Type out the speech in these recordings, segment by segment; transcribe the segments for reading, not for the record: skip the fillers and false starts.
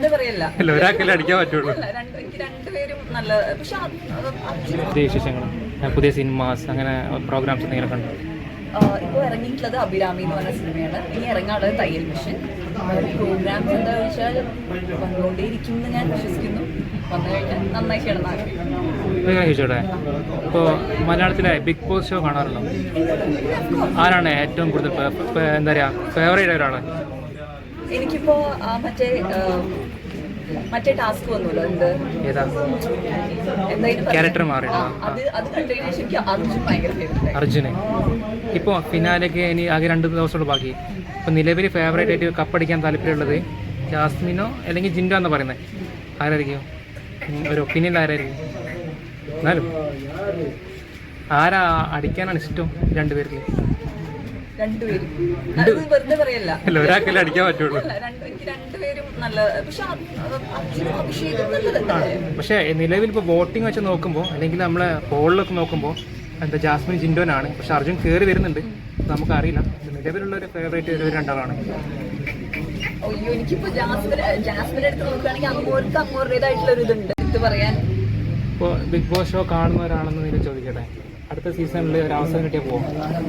വെറുതെ പറയല്ല, ഒരാൾക്കല്ലേ അടിക്കാൻ പറ്റുള്ളൂ. എനിക്ക് രണ്ടുപേരും നല്ല. പക്ഷെ പുതിയ വിശേഷങ്ങൾ, പുതിയ സിനിമാസ്, അങ്ങനെ പ്രോഗ്രാംസ് എന്തെങ്കിലും കണ്ടു? ഇപ്പോൾ ഇറങ്ങിയിട്ടുള്ളത് അഭിരാമി എന്ന് പറഞ്ഞ സിനിമയാണ്. ഇനി ഇറങ്ങാനുള്ളത് തയ്യൽ മിഷൻ. പ്രോഗ്രാംസ് എന്താ വെച്ചാൽ വന്നുകൊണ്ടേയിരിക്കും എന്ന് ഞാൻ വിശ്വസിക്കുന്നു. വന്നു കഴിഞ്ഞാൽ നന്നായി ചെയ്യണം. ചോദിച്ചോട്ടെ, ഇപ്പോൾ മലയാളത്തിലെ ബിഗ് ബോസ് ഷോ കാണാറുണ്ടോ? ആരാണ് ഏറ്റവും കൂടുതൽ എന്താ പറയുക ഫേവറേറ്റ് ഒരാള്? എനിക്കിപ്പോ മറ്റേ ടാസ്ക് വന്നല്ലോ, എന്ത് ഏതാ ക്യാരക്ടർ മാറി? അത് കണ്ടതിന് ശരിക്കും അർജുൻ ഭയങ്കര ഫേവറേറ്റ്. അർജുന് ഇപ്പോൾ ഫിനാലേക്ക് ഇനി ആകെ 2 ദിവസമുള്ള ബാക്കി. ഇപ്പോൾ നിലവിൽ ഫേവറേറ്റ് ആയിട്ട് കപ്പടിക്കാൻ താല്പര്യമുള്ളത് ജാസ്മിനോ അല്ലെങ്കിൽ ജിൻഡോ എന്ന് പറയുന്നത് ആരായിരിക്കും? ഒരു ഒപ്പീനിയൻ ആരായിരിക്കും? എന്നാലും ആരാ അടിക്കാനാണ് ഇഷ്ടം രണ്ടുപേരിൽ? വെറുതെ പറയല്ല, ഒരാൾക്കല്ലേ അടിക്കാൻ പറ്റുള്ളൂ. എനിക്ക് രണ്ടുപേരും നല്ല. പക്ഷെ അഭിഷേകം നല്ലതല്ലേ? പക്ഷേ നിലവിൽ ഇപ്പോൾ വോട്ടിംഗ് വെച്ച് നോക്കുമ്പോൾ, അല്ലെങ്കിൽ നമ്മളെ പോളിലൊക്കെ നോക്കുമ്പോൾ എന്താ ജാസ്മിൻ ജിൻഡോനാണ്. പക്ഷെ അർജുൻ കയറി വരുന്നുണ്ട്, നമുക്കറിയില്ല. നിലവിലുള്ള ഒരു ഫേവറേറ്റ് ഒരു രണ്ടാളാണ്. അയ്യോ, എനിക്കിപ്പോ ജാസ്മിനെ എടുത്ത് നോക്കുകയാണെങ്കിൽ അങ്ങോട്ടേതായിട്ടുള്ള ഒരു ഇതുണ്ട് ഇത് പറയാൻ. ഇപ്പോൾ ബിഗ് ബോസ് ഷോ കാണുന്നവരാണെന്ന് നിങ്ങൾ ചോദിക്കട്ടെ, അടുത്ത സീസണിൽ ഒരു അവസരം കിട്ടിയാൽ പോകും?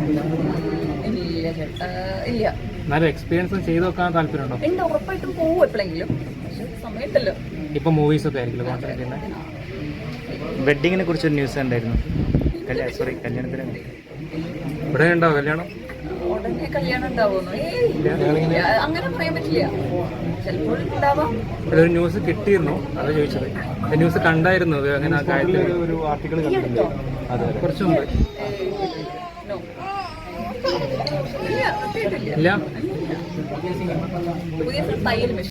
ഇല്ല. എന്നാലും എക്സ്പീരിയൻസ് ചെയ്ത് നോക്കാൻ താല്പര്യമുണ്ടോ? ഉണ്ട്, ഉറപ്പായിട്ടും പോകും എപ്പോഴെങ്കിലും. പക്ഷെ സമയത്തല്ലോ. ഇപ്പൊ മൂവീസ് ഒക്കെ ആയിരിക്കും കോൺസെൻട്രേറ്റ് ചെയ്യുന്നത്. വെഡിങ്ങിനെ കുറിച്ചൊരു ന്യൂസ് ഉണ്ടായിരുന്നു. കല്യാണത്തിന് ഇവിടെ ഉണ്ടാവും കല്യാണം? ഉടനെ കല്യാണം ഉണ്ടാവുമെന്നോ? അങ്ങനെ പറയാൻ പറ്റില്ല, ചിലപ്പോൾ ഉണ്ടാവാം. ഇവിടെ ഒരു ന്യൂസ് കിട്ടിയിരുന്നു, അത് ചോദിച്ചത്. ന്യൂസ് കണ്ടായിരുന്നു അങ്ങനെ ആ കാര്യത്തിൽ ഒരു ആർട്ടിക്കിൾ കണ്ടിട്ടുണ്ട്. അതെ, കുറച്ച് മുമ്പ്. ഇല്ല, പുതിയ തയ്യൽ മിഷൻ